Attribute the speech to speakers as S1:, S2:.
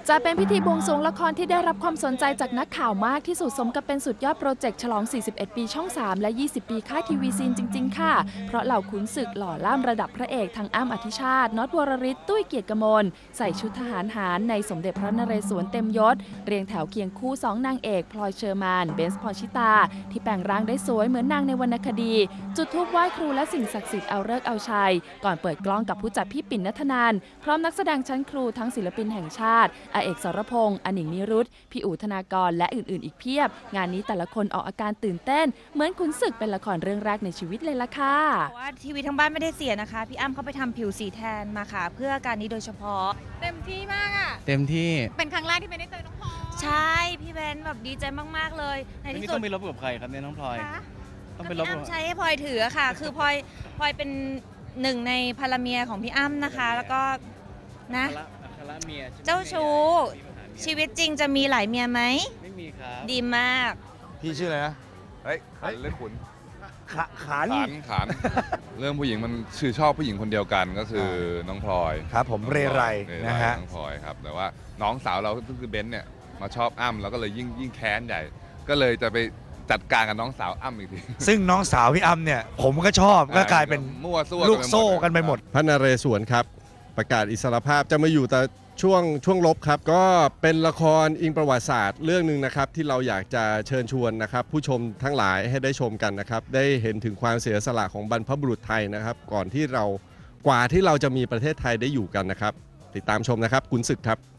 S1: จะเป็นพิธีบวงสรวงละครที่ได้รับความสนใจจากนักข่าวมากที่สุดสมกับเป็นสุดยอดโปรเจกต์ฉลอง 41 ปีช่อง 3 และ 20 ปีค่ายทีวีซีนจริงๆค่ะเพราะเหล่าขุนศึกหล่อล่ามระดับพระเอกทั้งอ้ำอธิชาติน็อตวรริศตุ้ยเกียรติกมลใส่ชุดทหารหารในสมเด็จพระนเรศวรเต็มยศเรียงแถวเคียงคู่2นางเอกพลอยเชอร์มานเบนซ์พรชิตาที่แปลงร่างได้สวยเหมือนนางในวรรณคดีจุดธูปไหว้ครูและสิ่งศักดิ์สิทธิ์เอาฤกษ์เอาชัยก่อนเปิดกล้องกับผู้จัดพี่ปิ่นณัฐนันท์พร้อมนักแสดงชั้นครูทั้งศิลปินแห่งชาติอาเอกสรพงษ์อนิงนิรุตพี่อู๋ธนากรและอื่นๆอีกเพียบงานนี้แต่ละคนออกอาการตื่นเต้นเหมือนขุนศึกเป็นละครเรื่องแรกในชีวิตเลยล่ะค่ะ
S2: ว่าทีวีทั้งบ้านไม่ได้เสียนะคะพี่อ้ำเขาไปทำผิวสีแทนมาค่ะเพื่อการนี้โดยเฉพาะ
S3: เต็มที่มากอ่ะ
S4: เต็มที่
S3: เป็นครั้งแรกที่ไม่ได้เจอน้องพลอย
S2: ใช่พี่เบนแบบดีใจมากๆเลยในที่สุด
S4: ต้องไปรบกับใครครับเนี่ยน้องพลอยต้องไปรบกับ
S2: พี่อ้ำใช้ให้พลอยถือค่ะคือพลอยเป็นหนึ่งในภรรเมียของพี่อ้ำนะคะแล้วก็นะเจ้าชู้ชีวิตจริงจะมีหลายเมียไหม
S4: ไม่มีครับ
S2: ดีมาก
S5: พี่ชื่ออะไรนะเฮ้ยขันหรือขุนขัน
S6: เรื่องผู้หญิงมันชื่อชอบผู้หญิงคนเดียวกันก็คือน้องพลอย
S5: ครับผมเรไรนะฮะ
S6: น้องพลอยครับแต่ว่าน้องสาวเราก็คือเบนซ์เนี่ยมาชอบอ้ำแล้วก็เลยยิ่งแค้นใหญ่ก็เลยจะไปจัดการกับน้องสาวอ้ำอีกที
S5: ซึ่งน้องสาวพี่อ้ำเนี่ยผมก็ชอบก็กลายเป็น
S6: มั่วซั่ว
S5: ลูกโซ่กันไปหมด
S7: พระนเรศวรครับประกาศอิสรภาพจะมาอยู่แต่ช่วงรบครับก็เป็นละครอิงประวัติศาสตร์เรื่องหนึ่งนะครับที่เราอยากจะเชิญชวนนะครับผู้ชมทั้งหลายให้ได้ชมกันนะครับได้เห็นถึงความเสียสละของบรรพบุรุษไทยนะครับกว่าที่เราจะมีประเทศไทยได้อยู่กันนะครับติดตามชมนะครับขุนศึกครับ